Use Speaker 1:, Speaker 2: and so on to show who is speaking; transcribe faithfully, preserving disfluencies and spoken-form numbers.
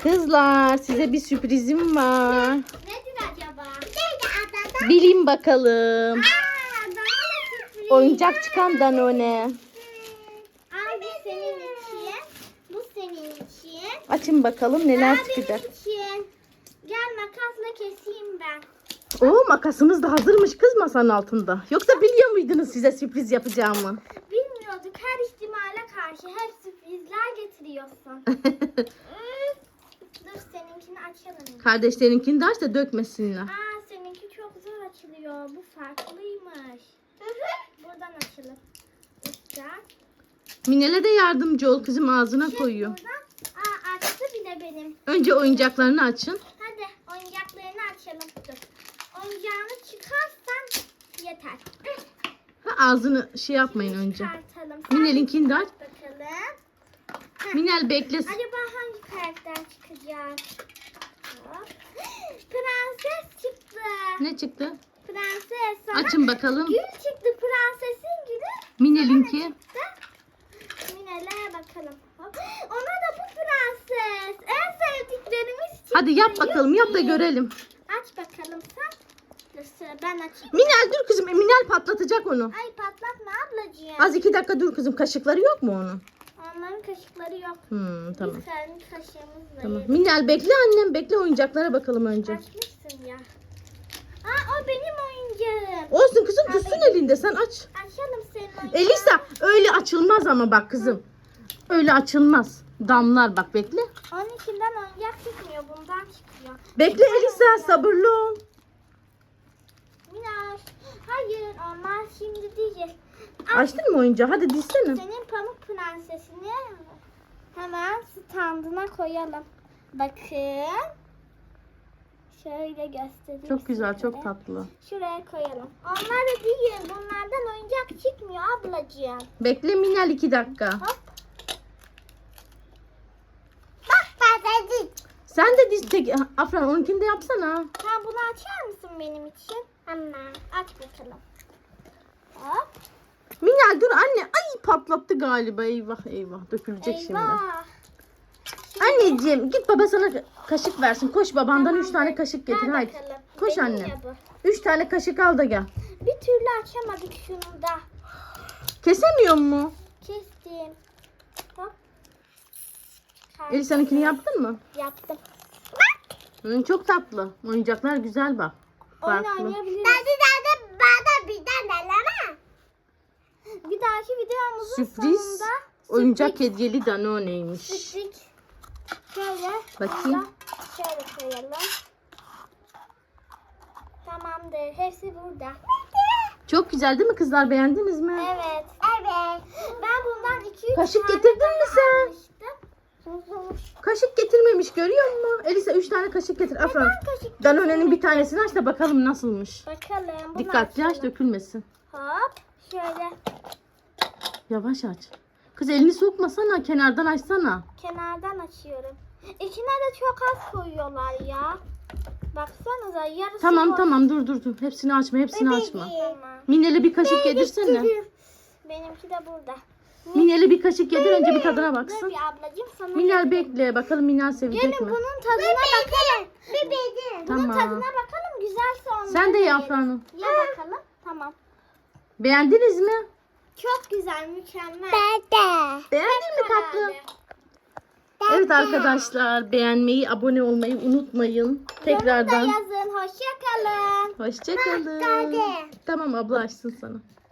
Speaker 1: Kızlar size bir sürprizim var.
Speaker 2: Nedir acaba?
Speaker 1: Bilin bakalım.
Speaker 2: Aa, Danone sürpriz.
Speaker 1: Oyuncak çıkan Danone.
Speaker 2: Al bu senin için. Bu senin için.
Speaker 1: Açın bakalım neler
Speaker 2: Aa,
Speaker 1: çıkacak.
Speaker 2: benim için. Gel makasla keseyim ben.
Speaker 1: Oo, makasımız da hazırmış kız masanın altında. Yoksa biliyor muydunuz size sürpriz yapacağımı?
Speaker 2: Bilmiyorduk, her ihtimale karşı hep sürprizler getiriyorsun. Üf, Dur seninkini açalım.
Speaker 1: Kardeşlerinkini de aç da dökmesinler.
Speaker 2: Aa seninki çok zor açılıyor. Bu farklıymış. Buradan açalım. Uçacak.
Speaker 1: Minel'e de yardımcı ol kızım, ağzına
Speaker 2: Şey,
Speaker 1: koyuyor.
Speaker 2: buradan. Aa açtı bile benim.
Speaker 1: Önce oyuncaklarını açın.
Speaker 2: Hadi oyuncaklarını açalım. Dur. Oyuncağını çıkarsan yeter.
Speaker 1: Ha, ağzını şey yapmayın önce.
Speaker 2: Çıkartalım.
Speaker 1: Minel'inkini de aç.
Speaker 2: Bakalım.
Speaker 1: Minel beklesin.
Speaker 2: Acaba hangi karakter çıkacak? Hop. Prenses çıktı.
Speaker 1: Ne çıktı?
Speaker 2: Prenses. Sana
Speaker 1: Açın bakalım.
Speaker 2: gül çıktı. Prensesin gülü.
Speaker 1: Minel'inki.
Speaker 2: Çıktı. Minel'e bakalım. Hop. Ona da bu prenses. En sevdiklerimiz çıktı.
Speaker 1: Hadi yap bakalım, yap da
Speaker 2: Yuppie.
Speaker 1: görelim.
Speaker 2: Aç bakalım sen. Dur sıra ben açayım.
Speaker 1: Minel dur kızım, Minel patlatacak onu.
Speaker 2: Ay patlatma ablacığım.
Speaker 1: Az iki dakika dur kızım, kaşıkları yok mu onun?
Speaker 2: Onların kaşıkları yok.
Speaker 1: Hmm, tamam.
Speaker 2: Biz kendi kaşığımızla
Speaker 1: Tamam.
Speaker 2: yedik.
Speaker 1: Minel bekle annem, bekle, oyuncaklara bakalım önce.
Speaker 2: Açmışsın ya. Aa o benim oyuncağım.
Speaker 1: Olsun kızım, tutsun elinde, sen aç.
Speaker 2: Açalım senin oyuncağını.
Speaker 1: Elisa öyle açılmaz ama bak kızım. Öyle açılmaz. Damlar bak, bekle.
Speaker 2: Onun içinden oyuncak çıkmıyor. Bundan çıkıyor.
Speaker 1: Bekle Elisa, sabırlı ol.
Speaker 2: Minaj. Hayır onlar şimdi diyecek.
Speaker 1: Açtın mı oyuncağı? Hadi dizsene.
Speaker 2: Senin pamuk prensesini hemen standına koyalım. Bakın. Şöyle göstereyim.
Speaker 1: Çok güzel,
Speaker 2: size.
Speaker 1: çok tatlı.
Speaker 2: Şuraya koyalım. Onlar da değil. Bunlardan oyuncak çıkmıyor ablacığım.
Speaker 1: Bekle Minel, iki dakika.
Speaker 2: Hop. Bak ben
Speaker 1: Sen de diz, tek, Afran onunkini de yapsana.
Speaker 2: Sen bunu açar mısın benim için? Hemen. Aç bakalım. Hop.
Speaker 1: Minel dur anne. Ay patlattı galiba, eyvah eyvah, dökülecek şimdi.
Speaker 2: Eyvah. Şimdi
Speaker 1: Anneciğim git, baba sana kaşık versin. Koş babandan
Speaker 2: Tamam,
Speaker 1: üç tane
Speaker 2: ver-
Speaker 1: kaşık getir
Speaker 2: ver
Speaker 1: haydi.
Speaker 2: bakalım.
Speaker 1: Koş
Speaker 2: Benim
Speaker 1: anne.
Speaker 2: ya bu.
Speaker 1: Üç tane kaşık al da gel.
Speaker 2: Bir türlü açamadık şunu da.
Speaker 1: Kesemiyor mu?
Speaker 2: Kestim. Hop.
Speaker 1: Elisa'nınkini yaptın mı?
Speaker 2: Yaptım.
Speaker 1: Hı, çok tatlı. Oyuncaklar güzel bak.
Speaker 2: Oyun
Speaker 1: Farklı.
Speaker 2: oynayabiliriz. Hadi hadi bana bir tane Bir dahaki videomuzun
Speaker 1: Sürpriz.
Speaker 2: sonunda
Speaker 1: Oyuncak hediyeli Danone'ymiş.
Speaker 2: sürpriz. Şöyle.
Speaker 1: Bakayım.
Speaker 2: burada Şöyle koyalım. Tamamdır. Hepsi burada.
Speaker 1: Çok güzel değil mi kızlar? Beğendiniz mi?
Speaker 2: Evet. Evet. Ben bundan iki üç
Speaker 1: Kaşık
Speaker 2: tane
Speaker 1: getirdin
Speaker 2: daha
Speaker 1: mi sen?
Speaker 2: almıştım.
Speaker 1: Kaşık getirmemiş, görüyor musun? Elisa üç tane kaşık getir. Afran.
Speaker 2: kaşık
Speaker 1: Danone'nin bir tanesini aç da bakalım nasılmış.
Speaker 2: Bakalım. Bunu
Speaker 1: Dikkatli aç,
Speaker 2: açalım.
Speaker 1: dökülmesin.
Speaker 2: Hop. Şöyle
Speaker 1: Yavaş aç. Kız elini sokmasana, kenardan açsana.
Speaker 2: kenardan açıyorum. İçine de çok az koyuyorlar ya. Baksanıza yarısı
Speaker 1: Tamam
Speaker 2: boş.
Speaker 1: tamam, dur dur dur. Hepsini açma, hepsini açma.
Speaker 2: Tamam.
Speaker 1: Minel'e bir kaşık yedirsene.
Speaker 2: Benimki de burada.
Speaker 1: Minel'e bir kaşık yedir, önce bir tadına
Speaker 2: Dur
Speaker 1: baksın.
Speaker 2: bir ablacığım sana.
Speaker 1: Minel bekle, bakalım Minel sevecek
Speaker 2: Gelin
Speaker 1: mi?
Speaker 2: bunun tadına bakalım. Bebeğim. Bunun
Speaker 1: Tamam.
Speaker 2: tadına bakalım güzelse onları
Speaker 1: Sen de
Speaker 2: da
Speaker 1: ye
Speaker 2: yeriz.
Speaker 1: Afra'nın.
Speaker 2: Ye bakalım. Tamam.
Speaker 1: Beğendiniz mi?
Speaker 2: Çok güzel, mükemmel.
Speaker 1: Beğendin mi tatlım? Evet arkadaşlar, beğenmeyi, abone olmayı unutmayın. Tekrardan
Speaker 2: Yorumda yazın. Hoşça kalın.
Speaker 1: hoşça kalın. Tamam, abla açsın sana.